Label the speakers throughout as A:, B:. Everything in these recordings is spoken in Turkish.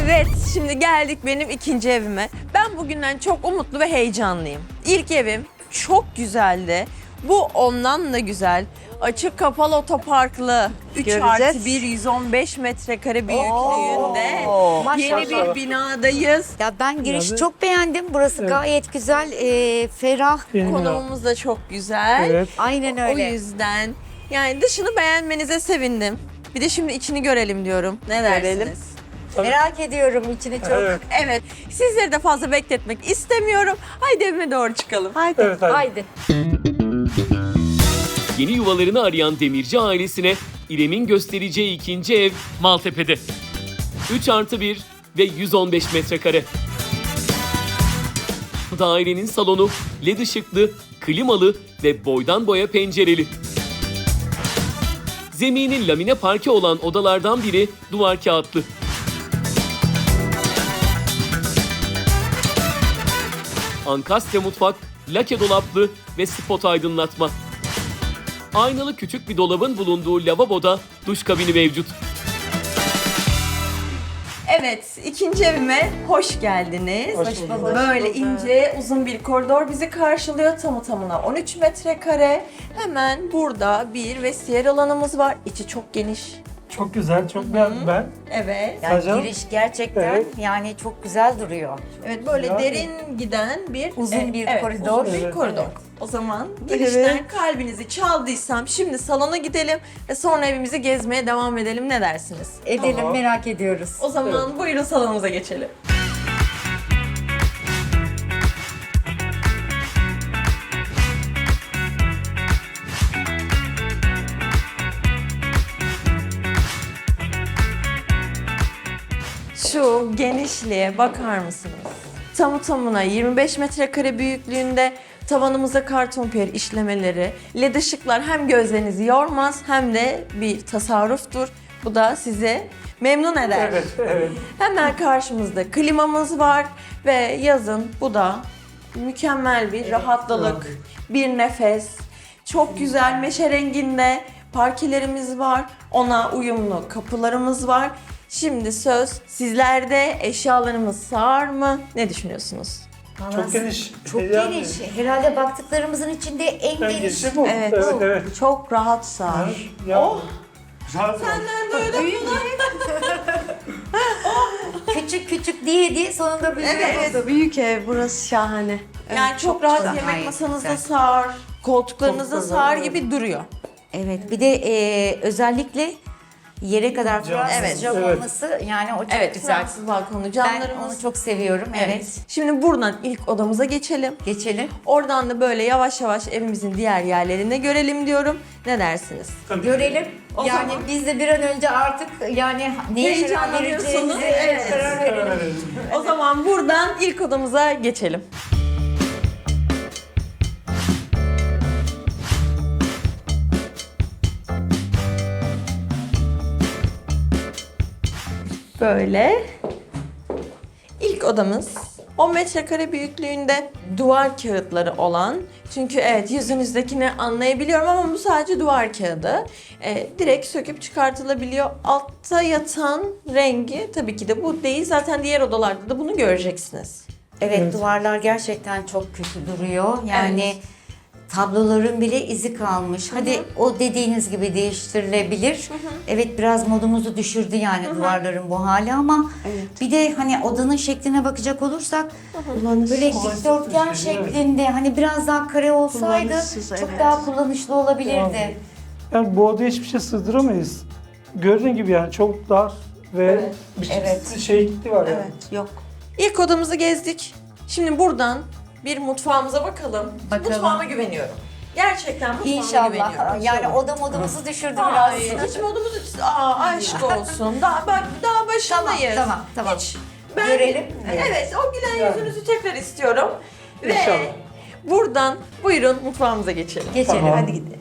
A: Evet, şimdi geldik benim ikinci evime. Ben bugünden çok umutlu ve heyecanlıyım. İlk evim çok güzeldi. Bu ondan da güzel. Açık kapalı otoparklı, 3
B: Göreceğiz.
A: artı 1, 115 metrekare büyüklüğünde yeni bir binadayız.
C: Ya ben girişi
D: Yani-
C: çok beğendim. Burası gayet güzel, ferah.
D: Benim de.
A: Konumumuz da çok güzel.
D: Evet.
C: Aynen
A: O
C: öyle.
A: yüzden yani dışını beğenmenize sevindim. Bir de şimdi içini görelim diyorum. Ne dersiniz?
B: Görelim.
C: Merak ediyorum içini çok.
D: Evet.
A: Evet, sizleri de fazla bekletmek istemiyorum. Haydi evime doğru çıkalım.
B: Haydi.
D: Evet, hadi.
C: Haydi.
E: Yeni yuvalarını arayan Demirci ailesine İrem'in göstereceği ikinci ev Maltepe'de. 3 artı 1 ve 115 metrekare. Dairenin salonu led ışıklı, klimalı ve boydan boya pencereli. Zemini lamine parke olan odalardan biri duvar kağıtlı. Ankastre mutfak, lake dolaplı ve spot aydınlatma. Aynalı küçük bir dolabın bulunduğu lavaboda duş kabini mevcut.
A: Evet, ikinci evime hoş geldiniz.
D: Hoş bulduk.
A: Böyle ince, uzun bir koridor bizi karşılıyor. Tamı tamına 13 metrekare. Hemen burada bir vestiyer alanımız var. İçi çok geniş.
D: Çok güzel, çok beğendim ben.
A: Evet.
C: Yani
D: Hocam.
C: giriş gerçekten
D: Evet.
C: yani çok güzel duruyor.
A: Evet, böyle
D: Yani-
A: derin giden bir
C: Uzun bir
A: evet,
C: koridor.
A: Uzun bir
D: Evet.
A: koridor. O zaman girişten kalbinizi çaldıysam şimdi salona gidelim ve sonra evimizi gezmeye devam edelim. Ne dersiniz?
C: Edelim,
D: Tamam.
C: merak ediyoruz.
A: O zaman buyurun salonumuza geçelim. Şu genişliğe bakar mısınız? Tamı tamına 25 metrekare büyüklüğünde, tavanımıza karton piyer işlemeleri, led ışıklar hem gözlerinizi yormaz hem de bir tasarruftur. Bu da sizi memnun eder.
D: Evet, evet.
A: Hemen karşımızda klimamız var ve yazın bu da mükemmel bir rahatlalık, bir nefes. Çok güzel meşe renginde parkelerimiz var. Ona uyumlu kapılarımız var. Şimdi söz sizlerde, eşyalarımız sığar mı? Ne düşünüyorsunuz?
D: Çok geniş.
C: Çok
D: Yani-
C: geniş. Herhalde baktıklarımızın içinde en
D: En
C: geniş.
D: genişi bu.
B: Evet.
D: Evet, evet.
B: Çok rahat sığar.
D: Ya,
A: Oh!
D: rahat ol.
C: Küçük küçük diye sonunda büyüyor.
A: Evet.
B: Büyük ev, burası şahane.
A: Yani çok rahat
C: güzel.
A: yemek
C: Gayet
A: masanızda
C: güzel.
A: sığar, koltuklarınızda
D: Koltuklar,
A: sığar
D: evet.
A: gibi duruyor.
C: Evet, bir de özellikle yere kadar Fransız
A: Evet.
C: cam
D: Evet.
C: olması yani o çok
A: Evet,
C: güzel.
A: Fransız balkonu
C: Ben
A: camlarımız.
C: onu çok seviyorum. Evet.
A: Şimdi buradan ilk odamıza geçelim.
C: Geçelim.
A: Oradan da böyle yavaş yavaş evimizin diğer yerlerine görelim diyorum. Ne dersiniz?
C: Görelim.
A: O
C: yani
A: zaman-
C: biz de bir an önce artık yani neye karar
A: Heyecanlanıyorsunuz.
C: vereceğimize
A: Evet.
C: karar verelim.
D: Evet.
A: O zaman buradan ilk odamıza geçelim. Böyle. İlk odamız 10 metrekare büyüklüğünde duvar kağıtları olan, çünkü evet yüzünüzdekini anlayabiliyorum ama bu sadece duvar kağıdı. Direkt söküp çıkartılabiliyor. Altta yatan rengi tabii ki de bu değil. Zaten diğer odalarda da bunu göreceksiniz.
C: Evet,
D: Evet.
C: duvarlar gerçekten çok kötü duruyor. Yani
A: Evet.
C: tabloların bile izi kalmış. Hadi o dediğiniz gibi değiştirilebilir. Evet, biraz modumuzu düşürdü yani duvarların bu hali ama bir de hani odanın şekline bakacak olursak böyle dikdörtgen
D: bir şey, evet.
C: şeklinde hani biraz daha kare olsaydı
B: Kullanışsız,
C: çok
B: evet.
C: daha kullanışlı olabilirdi.
D: Yani bu odaya hiçbir şey sığdıramayız. Gördüğün gibi yani çok dar ve biçimsiz şekli var yani.
B: Evet, yok.
A: İlk odamızı gezdik. Şimdi buradan bir mutfağımıza bakalım.
C: Bakalım.
A: Mutfağıma güveniyorum. Gerçekten mutfağıma
C: İnşallah.
A: güveniyorum.
C: Yani oda modumuzu düşürdü biraz.
A: Ay, hiç modumuzu... aşk olsun. Daha başındayız.
C: Tamam.
A: Hiç.
C: Görelim.
A: Evet, o gülen yüzünüzü tekrar istiyorum. Ve
D: İnşallah.
A: buradan buyurun mutfağımıza geçelim.
C: Geçelim.
D: Tamam.
A: Hadi gidelim.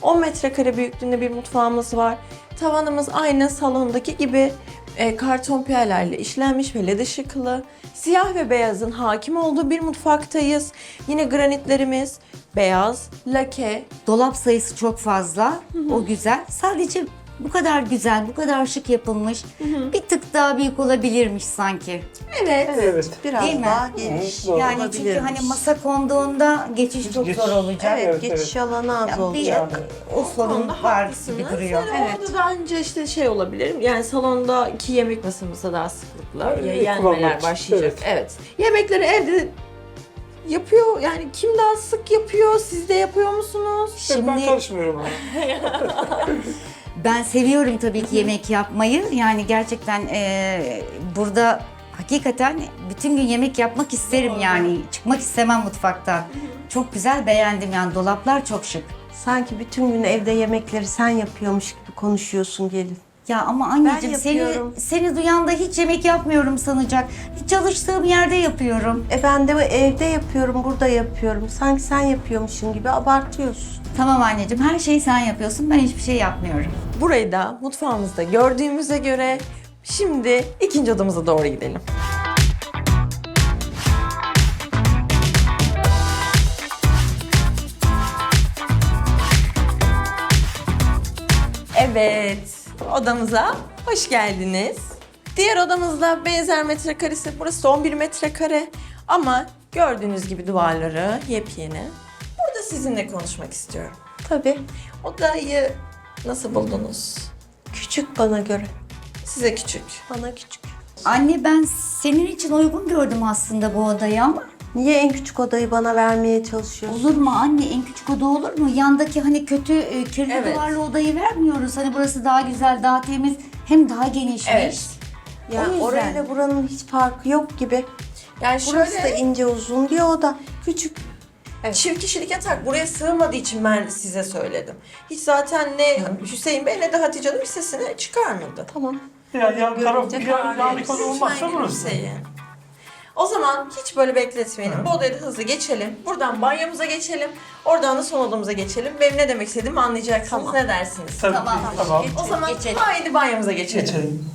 A: 10 metrekare büyüklüğünde bir mutfağımız var. Tavanımız aynı salondaki gibi karton piyelerle işlenmiş ve led ışıklı. Siyah ve beyazın hakim olduğu bir mutfaktayız. Yine granitlerimiz beyaz, lake.
C: Dolap sayısı çok fazla. O güzel. Sadece bu kadar güzel, bu kadar şık yapılmış. Bir tık daha büyük olabilirmiş sanki.
A: Evet.
D: Evet.
B: Biraz
C: Değil mi?
B: daha geniş.
D: Doğru.
C: Yani çünkü
B: olabilirmiş.
C: hani masa konduğunda geçiş çok zor olacak.
B: Evet,
D: Evet,
B: geçiş alanı az
C: Ya bir
B: olacak.
C: o sorun
A: Onda
C: var
A: haklısınız.
C: gibi duruyor.
A: Yani orada bence işte şey olabilir. Yani salondaki yemek masamızda daha sıklıkla yenmeler
D: kullanmak için,
A: başlayacak. Evet. Yemekleri evde yapıyor. Yani kim daha sık yapıyor? Siz de yapıyor musunuz?
D: Ben
C: Şimdi
D: karışmıyorum ama.
C: ben seviyorum tabii ki yemek yapmayı. Yani gerçekten burada hakikaten bütün gün yemek yapmak isterim yani. Çıkmak istemem mutfaktan. Çok güzel, beğendim yani. Dolaplar çok şık.
B: Sanki bütün gün evde yemekleri sen yapıyormuş gibi konuşuyorsun gelin.
C: Ya ama anneciğim
B: Ben
C: seni
B: yapıyorum.
C: duyan da hiç yemek yapmıyorum sanacak. Hiç çalıştığım yerde yapıyorum.
B: Ben de evde yapıyorum, burada yapıyorum. Sanki sen yapıyormuşsun gibi abartıyorsun.
C: Tamam anneciğim, her şeyi sen yapıyorsun. Ben hiçbir şey yapmıyorum.
A: Burayı da mutfağımızda gördüğümüze göre şimdi ikinci odamıza doğru gidelim. Evet, odamıza hoş geldiniz. Diğer odamızda benzer metrekaresi, burası da 11 metrekare ama gördüğünüz gibi duvarları yepyeni. Burada sizinle konuşmak istiyorum.
B: Tabii.
A: Odayı nasıl buldunuz?
B: Küçük bana göre.
A: Size küçük.
B: Bana küçük.
C: Anne ben senin için uygun gördüm aslında bu odayı ama
B: Niye en küçük odayı bana vermeye çalışıyorsun?
C: olur mu anne, en küçük oda olur mu? Yandaki hani kötü kirli
A: Evet.
C: duvarlı odayı vermiyoruz. Hani burası daha güzel, daha temiz, hem daha genişmiş.
A: Evet.
C: O
B: Ya
C: yüzden.
B: orayla buranın hiç farkı yok gibi.
A: Yani
B: Burası da
A: şöyle
B: ince uzun diye oda. Küçük.
A: çift kişilik yatak buraya sığmadığı için ben size söyledim. Hiç zaten ne Hüseyin Bey ne de Hatice Hanım sesini çıkarmadı.
B: Tamam.
D: Yani yan taraf
B: Görünce
D: yan bir konu olmazsa
A: Lütfen
D: burası.
A: Hüseyin. O zaman hiç böyle bekletmeyelim. Bu odaya da hızlı geçelim. Buradan banyomuza geçelim. Oradan da son odamıza geçelim. Benim ne demek istediğimi anlayacaksınız. Ne dersiniz?
D: Tabii
C: Tamam.
D: ki, tamam.
A: O zaman
C: Geçelim.
A: haydi banyomuza geçelim.
D: Geçelim.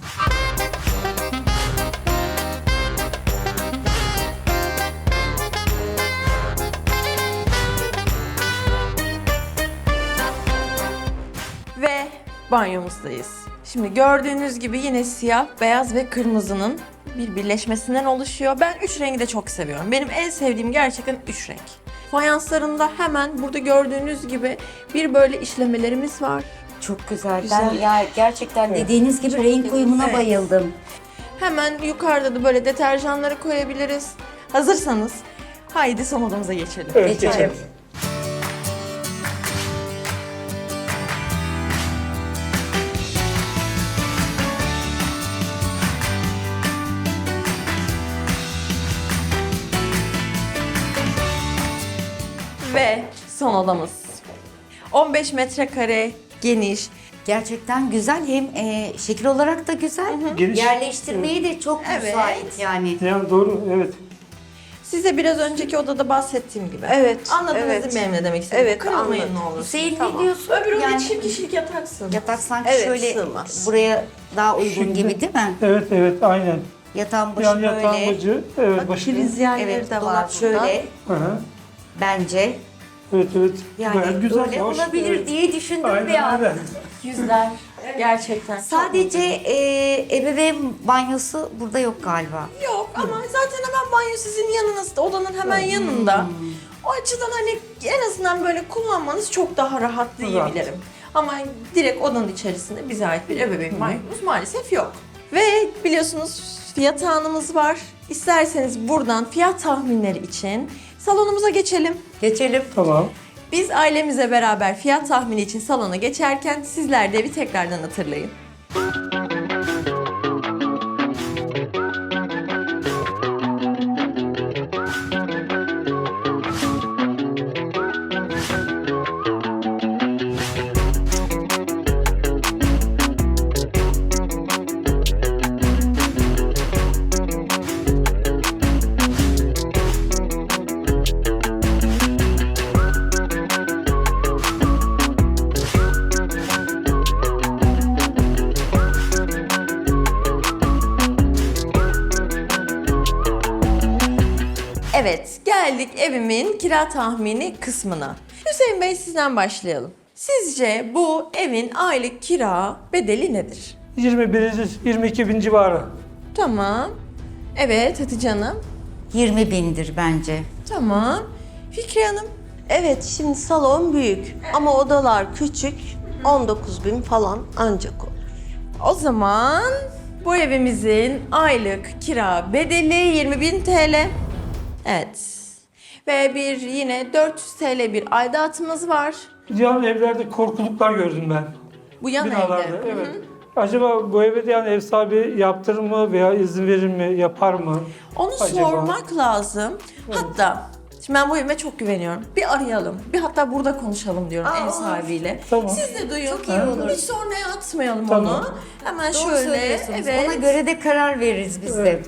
A: Ve banyomuzdayız. Şimdi gördüğünüz gibi yine siyah, beyaz ve kırmızının bir birleşmesinden oluşuyor. Ben 3 rengi de çok seviyorum. Benim en sevdiğim gerçekten 3 renk. Fayanslarında hemen burada gördüğünüz gibi bir böyle işlemelerimiz var.
C: Çok güzel.
A: Güzel.
C: Ben ya gerçekten dediğiniz gibi renk uyumuna
A: Evet.
C: bayıldım.
A: Hemen yukarıda da böyle deterjanları koyabiliriz. Hazırsanız haydi son odamıza geçelim.
D: Evet,
C: Geçelim.
D: geçelim.
A: Ve son odamız. 15 metrekare, geniş.
C: Gerçekten güzel, hem şekil olarak da güzel.
D: Geniş.
C: Yerleştirmeyi de çok
A: Evet.
C: müsait yani.
D: Yani doğru, evet.
A: Size biraz önceki odada bahsettiğim gibi.
B: Evet,
A: Anladınız
B: evet.
A: değil mi benim ne demek istediğimi?
B: Evet,
A: Kırılmayın
B: anladım.
A: ne olur.
C: Hüseyin
B: Tamam.
C: ne diyorsun?
A: Öbür oda
C: Yani
A: çift kişilik yataksın.
C: yatak sanki
B: Evet,
C: şöyle
B: sığmaz.
C: buraya daha uygun
D: Şimdi-
C: gibi değil mi?
D: Evet, evet, aynen.
C: Yatağın başı
D: Yani yatağın
C: böyle.
D: bacı, evet,
B: Bak
D: başı.
B: priz yerleri
C: Evet,
B: de var
C: dolap
B: burada.
C: şöyle
D: Hı hı.
C: bence.
D: Evet, evet.
C: Yani
D: Gayet güzel,
C: öyle
D: hoş.
C: olabilir
D: Evet.
C: diye düşündüm bir
D: Aynen,
C: an.
D: aynen.
A: Yüzler. Gerçekten.
C: Sadece ebeveyn banyosu burada yok galiba.
A: Yok ama zaten hemen banyo sizin yanınızda, odanın hemen yanında. O açıdan hani en azından böyle kullanmanız çok daha rahat diyebilirim. Ama direkt odanın içerisinde bize ait bir ebeveyn banyomuz maalesef yok. Ve biliyorsunuz fiyat anımız var. İsterseniz buradan fiyat tahminleri için salonumuza geçelim.
C: Geçelim.
D: Tamam.
A: Biz ailemizle beraber fiyat tahmini için salona geçerken sizler de evi tekrardan hatırlayın. Geldik evimin kira tahmini kısmına. Hüseyin Bey sizden başlayalım. Sizce bu evin aylık kira bedeli nedir?
D: 22 bin civarı.
A: Tamam. Evet Hatice Hanım.
C: 20 bindir bence.
A: Tamam. Fikriye Hanım.
B: Evet, şimdi salon büyük ama odalar küçük. 19.000 falan ancak olur.
A: O zaman bu evimizin aylık kira bedeli 20.000 TL. Evet. Ve bir yine 400 TL bir aidatımız var.
D: Diğer evlerde korkuluklar gördüm ben.
A: Bu yan
D: Binalarda.
A: evde.
D: Evet. Acaba bu eve de yani ev sahibi yaptırır mı veya izin verir mi, yapar mı?
A: Onu
D: Acaba?
A: sormak lazım. Hatta şimdi ben bu evime çok güveniyorum. Bir arayalım. Bir hatta burada konuşalım diyorum ev sahibiyle.
D: Tamam.
A: Siz de duyun.
C: Çok iyi olur.
A: Hiç sonraya atmayalım
D: Tamam.
A: onu. Hemen
C: Doğru
A: şöyle.
C: söylüyorsunuz.
A: Evet.
C: Ona göre de karar veririz biz de.
D: Evet.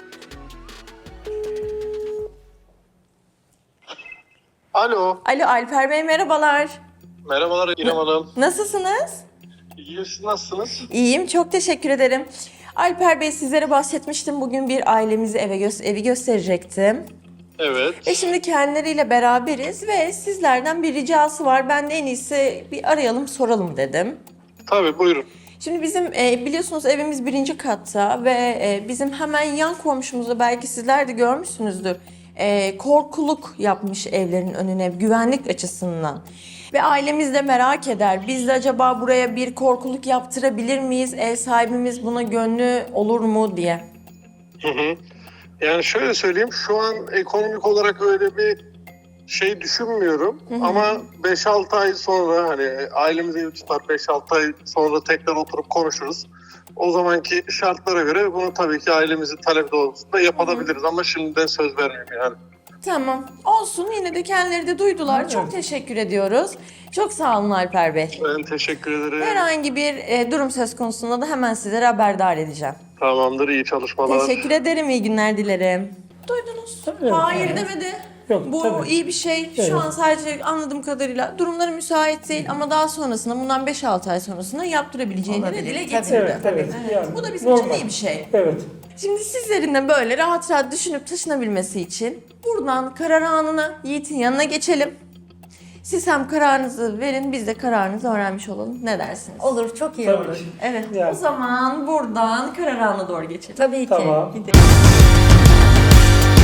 F: Alo.
A: Alo Alper Bey merhabalar.
F: Merhabalar İrem Hanım.
A: Nasılsınız?
F: İyi, siz nasılsınız?
A: İyiyim, çok teşekkür ederim. Alper Bey sizlere bahsetmiştim. Bugün bir ailemizi evi gösterecektim.
F: Evet.
A: Ve şimdi kendileriyle beraberiz ve sizlerden bir ricası var. Ben de en iyisi bir arayalım soralım dedim.
F: Tabii buyurun.
A: Şimdi bizim biliyorsunuz evimiz 1. katta ve bizim hemen yan komşumuzda belki sizler de görmüşsünüzdür. Korkuluk yapmış evlerin önüne güvenlik açısından. Ve ailemiz de merak eder. Biz de acaba buraya bir korkuluk yaptırabilir miyiz? Ev sahibimiz buna gönlü olur mu diye.
F: Hı hı. Yani şöyle söyleyeyim, şu an ekonomik olarak öyle bir şey düşünmüyorum. Ama 5-6 ay sonra hani ailemiz evi tutar, 5-6 ay sonra tekrar oturup konuşuruz. O zamanki şartlara göre bunu tabii ki ailemizin talep doğrultusunda yapabiliriz ama şimdiden söz vermiyorum yani.
A: Tamam. Olsun. Yine de kendileri de duydular. Çok teşekkür ediyoruz. Çok sağ olun Alper Bey.
F: Ben teşekkür ederim.
A: Herhangi bir durum söz konusunda da hemen sizlere haberdar edeceğim.
F: Tamamdır, iyi çalışmalar.
A: Teşekkür ederim. İyi günler dilerim. Duydunuz.
D: Evet,
A: Hayır
D: evet.
A: demedi.
D: Yok,
A: Bu
D: tabii.
A: iyi bir şey.
D: Evet.
A: Şu an sadece anladığım kadarıyla durumları müsait değil ama daha sonrasında bundan 5-6 ay sonrasında yaptırabileceğini de
C: Olabilir,
A: dile
C: tabii.
A: getirdi.
D: Evet, evet. Yani
A: Bu da bizim için
D: normal.
A: iyi bir şey.
D: Evet.
A: Şimdi sizlerin de böyle rahat rahat düşünüp taşınabilmesi için buradan karar anına Yiğit'in yanına geçelim. Siz hem kararınızı verin, biz de kararınızı öğrenmiş olalım. Ne dersiniz?
C: Olur, çok iyi
D: Tabii
C: olur.
D: ki.
A: Evet.
D: Yani.
A: O zaman buradan karar anına doğru geçelim.
C: Tabii ki.
D: Tamam.
A: Gidelim.